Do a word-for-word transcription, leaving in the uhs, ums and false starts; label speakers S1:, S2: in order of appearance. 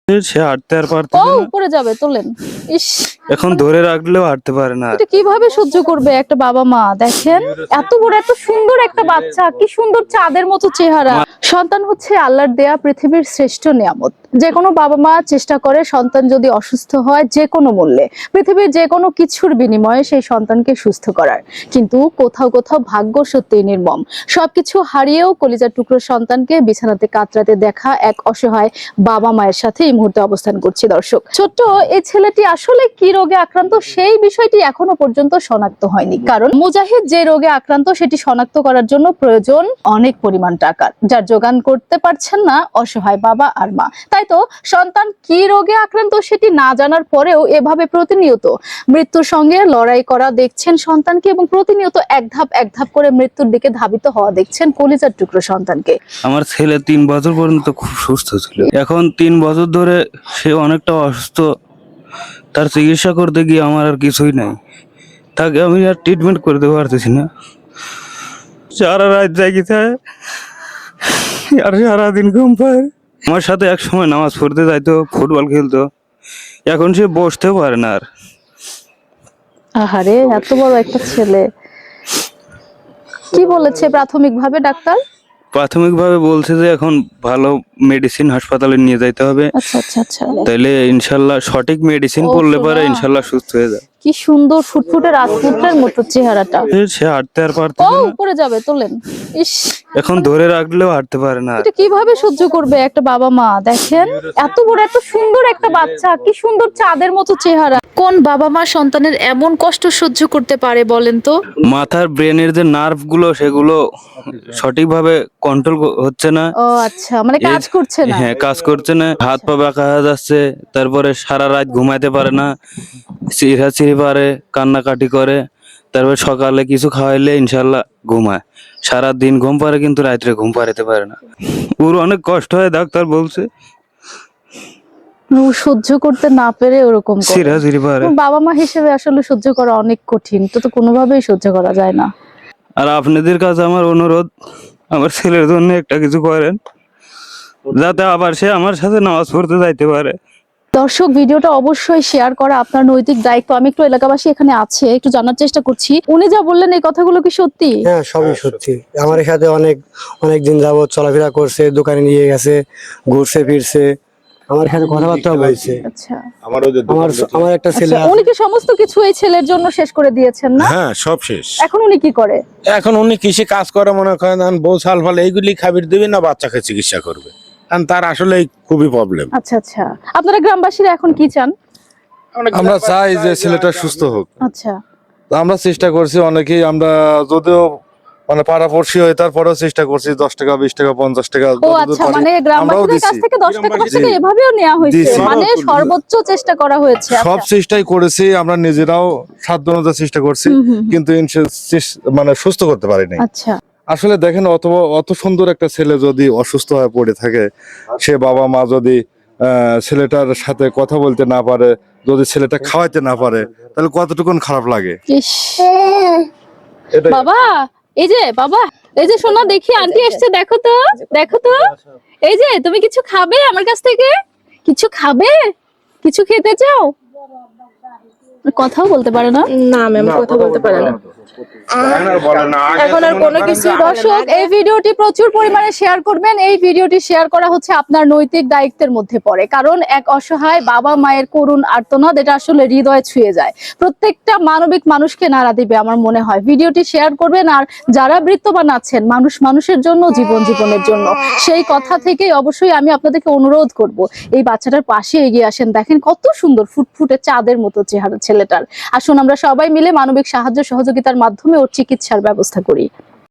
S1: সে হাঁটতে আর পারতে
S2: ও
S1: না,
S2: উপরে যাবে, তোলেন। ইস,
S1: এখন ধরে রাখলেও হাঁটতে পারে না।
S2: এটা কিভাবে সহ্য করবে একটা বাবা মা? দেখেন এত বড় এত সুন্দর একটা বাচ্চা, কি সুন্দর চাঁদের মতো চেহারা। সন্তান হচ্ছে আল্লাহর দেয়া পৃথিবীর শ্রেষ্ঠ নিয়ামত। যে কোনো বাবা মা চেষ্টা করে সন্তান যদি অসুস্থ হয় যে কোনো মূল্যে, পৃথিবীর যে কোনো কিছুর বিনিময়ে সেই সন্তানকে সুস্থ করার। কিন্তু কোথাও কোথাও ভাগ্য সত্যিই নির্মম। সবকিছু হারিয়েও কলিজার টুকরো সন্তানকে বিছানাতে কাতরাতে দেখা এক অসহায় বাবা মায়ের সাথে এই মুহূর্তে অবস্থান করছি। দর্শক, ছোট্ট এই ছেলেটি আসলে কি রোগে আক্রান্ত সেই বিষয়টি এখনো পর্যন্ত শনাক্ত হয়নি, কারণ মুজাহিদ যে রোগে আক্রান্ত সেটি শনাক্ত করার জন্য প্রয়োজন অনেক পরিমাণ টাকা, যার যোগান করতে পারছেন না অসহায় বাবা আর মা। তাই তো সন্তান কি রোগে আক্রান্ত সেটি না জানার পরেও এভাবে প্রতিনিয়ত মৃত্যুর সঙ্গে লড়াই করা দেখছেন সন্তানকে, এবং প্রতিনিয়ত এক ধাপ এক ধাপ করে মৃত্যুর দিকে ধাবিত হওয়া দেখছেন কলিজার টুকরো সন্তানকে।
S1: আমার ছেলে তিন বছর পর্যন্ত খুব সুস্থ ছিল, এখন তিন বছর ধরে সে অনেকটা অসুস্থ। তার চিকিৎসা করতে গিয়ে আমার আর কিছুই নাই, তাকে আমি আর ট্রিটমেন্ট করতে পারতেছি না। সারা রাত জাগি থাকে আর সারাদিন ঘুম পায়। আমার সাথে এক সময় নামাজ পড়তে যাইতো, ফুটবল খেলতো, এখন সে বসতেও পারে না আর।
S2: আহারে, এত বড় একটা ছেলে। কি বলেছে প্রাথমিকভাবে ডাক্তার?
S1: প্রাথমিকভাবে বলছে যে এখন ভালো মেডিসিন হাসপাতালে নিয়ে যাইতে হবে,
S2: আচ্ছা আচ্ছা আচ্ছা।
S1: তাইলে ইনশাল্লাহ সঠিক মেডিসিন
S2: ও
S1: পড়লে পরে
S2: সোনা।
S1: ইনশাল্লাহ সুস্থ হয়ে যায়।
S2: কি সুন্দর ফুটফুটে রাজপুত্রের মতো চেহারাটা।
S1: সে হাঁটতে আর পারতে
S2: ও
S1: না,
S2: উপরে যাবে, তোলেন। ইস,
S1: এখন ধরে রাখলেও হাঁটতে পারে না।
S2: এটা কিভাবে সহ্য করবে একটা বাবা মা? দেখেন এত বড় এত সুন্দর একটা বাচ্চা, কি সুন্দর চাঁদের মতো চেহারা। কোন বাবা মা সন্তানের এমন কষ্ট সহ্য করতে পারে বলেন তো?
S1: মাথার ব্রেনের যে নার্ভ গুলো সেগুলো সঠিকভাবে কন্ট্রোল হচ্ছে না।
S2: ও আচ্ছা, মানে কাজ
S1: এই-
S2: করছে না।
S1: হ্যাঁ, কাজ করছে না, হাত পা বাঁকা হয়ে যাচ্ছে, তারপরে সারা রাত ঘুমাইতে পারে না, চিড়াচিড়ি পারে, কান্নাকাটি করে, তারপরে সকালে কিছু খাওয়াইলে ইনশাল্লাহ ঘুমায়। সারা দিন ঘুম পারে কিন্তু রাত্রে ঘুম পাড়াতে পারে না। ওর অনেক কষ্ট হয়, ডাক্তার বলছে।
S2: ও সহ্য করতে না পেরে ওরকম করে।
S1: চিড়াচিড়ি পারে।
S2: বাবা মা হিসেবে আসলে সহ্য করা অনেক কঠিন, তো তো কোনোভাবেই সহ্য করা যায় না।
S1: আর আপনাদের কাছে আমার অনুরোধ, আমার ছেলের জন্য একটা কিছু করেন, যাতে আবার সে আমার সাথে নামাজ পড়তে যাইতে পারে।
S2: দর্শক, ভিডিওটা অবশ্যই শেয়ার করা আপনার নৈতিক দায়িত্ব। আমি একটু এলাকাবাসী এখানে আছে একটু জানার চেষ্টা করছি, উনি যা বললেন এই কথাগুলো কি সত্যি?
S3: হ্যাঁ, সবই সত্যি। আমার সাথে অনেক অনেক দিন যাবত চলাফেরা করছে, দোকানে নিয়ে গেছে, ঘুরছে ফিরছে, আমার সাথে কথাবার্তা বলছে।
S2: আচ্ছা,
S3: আমার আমার একটা ছেলে
S2: আচ্ছা, উনি কি সমস্ত কিছু এই ছেলের জন্য শেষ করে দিয়েছেন না?
S4: হ্যাঁ, সব শেষ।
S2: এখন উনি কি করে?
S4: এখন উনি কৃষি কাজ করে, মনে করেন এখন বউ সাল ফাল এইগুলি খাবির দিবি না বাচ্চাকে চিকিৎসা করবে, কারণ তার আসলে খুবই প্রবলেম।
S2: আচ্ছা আচ্ছা, আপনারা গ্রামবাসীরা এখন কি চান?
S5: আমরা চাই যে ছেলেটা সুস্থ হোক।
S2: আচ্ছা,
S5: তো আমরা চেষ্টা করছি অনেকেই, আমরা যদিও মানে পাড়াপড়শি হয়ে তারপরেও চেষ্টা করছি, দশ টাকা বিশ টাকা পঞ্চাশ টাকা
S2: ও
S5: যতদূর
S2: আচ্ছা,
S5: পারি
S2: মানে
S5: আমরাও
S2: গ্রামবাসীদের কাছ
S5: দিছি।
S2: থেকে দশ টাকা পাঁচ টাকা
S5: জি।
S2: এভাবেও নেওয়া হয়েছে,
S5: দিছি।
S2: মানে সর্বোচ্চ চেষ্টা করা হয়েছে।
S5: সব
S2: আচ্ছা।
S5: চেষ্টাই করেছি আমরা নিজেরাও, সাধ্য অনুযায়ী চেষ্টা করছি,
S2: হুম, হুম, হুম।
S5: কিন্তু ইনশে- চেস- মানে সুস্থ করতে পারিনি।
S2: আচ্ছা,
S5: আসলে দেখেন, অত অত সুন্দর একটা ছেলে যদি অসুস্থ হয়ে পড়ে থাকে, সে বাবা মা যদি আহ, ছেলেটার সাথে কথা বলতে না পারে, যদি ছেলেটা খাওয়াইতে না পারে, তাহলে কতটুকুন খারাপ লাগে।
S2: ইস,
S5: এটাই।
S2: বাবা, এই যে বাবা, এই যে শোনো, দেখি আন্টি এসছে, দেখো তো দেখো তো, এই যে তুমি কিছু খাবে আমার কাছ থেকে? কিছু খাবে? কিছু খেতে চাও? কথাও বলতে পারে না।
S6: না ম্যাম, কথা বলতে পারে না এখন আর কোনো কিছু।
S2: দর্শক, এই ভিডিওটি প্রচুর পরিমাণে শেয়ার করবেন। এই ভিডিওটি শেয়ার করা হচ্ছে আপনার নৈতিক দায়িত্বের মধ্যে পড়ে, কারণ এক অসহায় বাবা মায়ের করুণ আর্তনাদ এটা আসলে হৃদয় ছুঁয়ে যায়, প্রত্যেকটা মানবিক মানুষকে নাড়া দিবে আমার মনে হয়। ভিডিওটি শেয়ার করবেন, আর যারা বৃত্তবান আছেন, মানুষ মানুষের জন্য, জীবন জীবনের জন্য, সেই কথা থেকেই অবশ্যই আমি আপনাদেরকে অনুরোধ করব, এই বাচ্চাটার পাশে এগিয়ে আসেন। দেখেন কত সুন্দর ফুটফুটে চাঁদের মতো চেহারা ছেলেটার। আসুন আমরা সবাই মিলে মানবিক সাহায্য সহযোগিতার মাধ্যমে ওর চিকিৎসার ব্যবস্থা করি।